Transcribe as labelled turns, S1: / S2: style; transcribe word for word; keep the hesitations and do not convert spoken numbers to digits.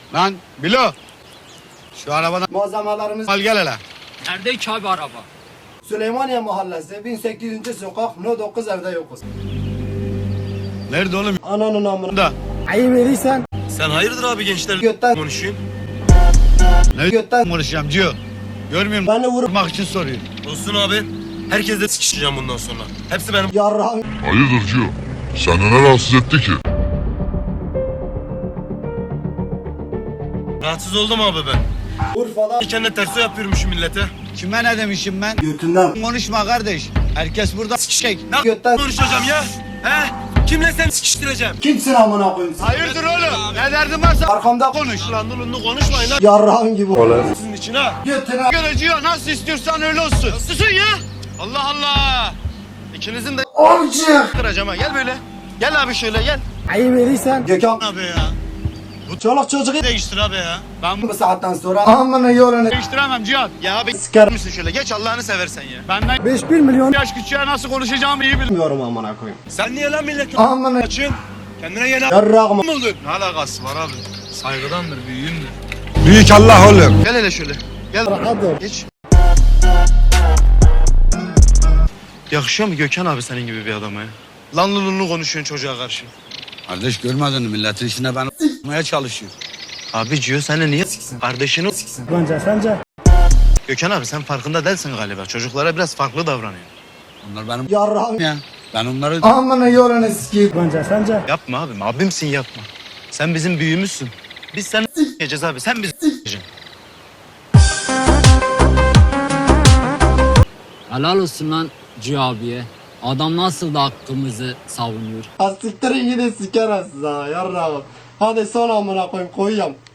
S1: Lan Bilo. Şu arabadan
S2: Malzemelerimiz
S1: al gel hele.
S3: Nerede ki abi araba?
S2: Süleymaniye Mahallesi bin sekiz yüzüncü sokak no dokuz evde yokuz.
S1: Nerede oğlum?
S2: Ananın amına.
S1: Da.
S2: Ayı verirsen
S4: Sen hayırdır abi gençler
S2: götten
S4: konuşuyorsun?
S1: Ne
S2: götten
S1: konuşacağım Cio? Görmüyor musun?
S2: beni vurup
S1: Vurmak için soruyor.
S4: Olsun abi. Herkesle sikişeceğim bundan sonra. Hepsi benim.
S2: yarrağım
S5: Hayırdır Cio? Seni ne rahatsız etti ki?
S4: Rahatsız oldum abi ben.
S2: Urfa'da
S4: Kendine terso yapıyormuşum millete.
S1: Kime ne demişim ben?
S2: götünden
S1: Konuşma kardeş. Herkes burada sikecek.
S4: Ne
S2: götten
S4: konuşacağım ya? He? Kimle sen sikiştireceğim?
S2: kimsin amına koyayım?
S1: Hayırdır oğlum? Ne derdin varsa
S2: Arkamda
S1: konuş.
S4: Lan dulunlu konuşmayın lan.
S2: yarrağım gibi olur.
S4: Sizin için ha.
S2: Götüne
S1: Göreceğiz nasıl istiyorsan öyle olsun.
S4: Susun ya. Allah Allah. İkinizin de
S2: Amcık.
S4: kıracağım ha. Gel böyle. Gel abi şöyle gel.
S2: Ayı verirsen Gökhan
S1: Abi ya.
S2: çoluk çocuğu
S4: Değiştir abi ya.
S1: Ben
S2: bu saatten sonra amına yolunu
S1: değiştiremem Cihat.
S4: Ya abi
S2: Sikerim.
S4: misin şöyle? Geç Allah'ını seversen ya.
S1: Benden
S2: beş bir milyon
S1: yaş küçüğe nasıl konuşacağımı iyi bilirim.
S2: bilmiyorum amına koyayım.
S4: Sen niye lan milletin
S2: Amına
S4: açın? Kendine yeni
S2: yarrağım.
S4: mı oldun? Ne alakası var abi? Saygıdandır, büyüğümdür.
S1: Büyük Allah oğlum.
S4: Gel hele şöyle. Gel.
S2: Hadi.
S4: Geç. Yakışıyor mu Gökhan abi senin gibi bir adama ya? Lan lulunlu konuşuyorsun çocuğa karşı.
S1: Kardeş görmedin mi? Milletin içine ben s**maya çalışıyor.
S4: Abi Cio seni niye siksin? Kardeşini siksin.
S2: Bence sence
S4: Gökhan abi sen farkında değilsin galiba. Çocuklara biraz farklı davranıyor.
S1: Onlar benim
S2: yarrağım.
S1: ya. Ben onları
S2: Amına yolunu sikeyim. Bence sence
S4: Yapma abim, abimsin yapma. Sen bizim büyüğümüzsün. Biz seni s**eceğiz abi, sen bizi s**eceksin.
S3: Helal olsun lan Cihan abiye. Adam nasıl da hakkımızı savunuyor.
S2: Asiktirin yine siker ha yarrağım. Hadi son amına koyayım koyuyorum.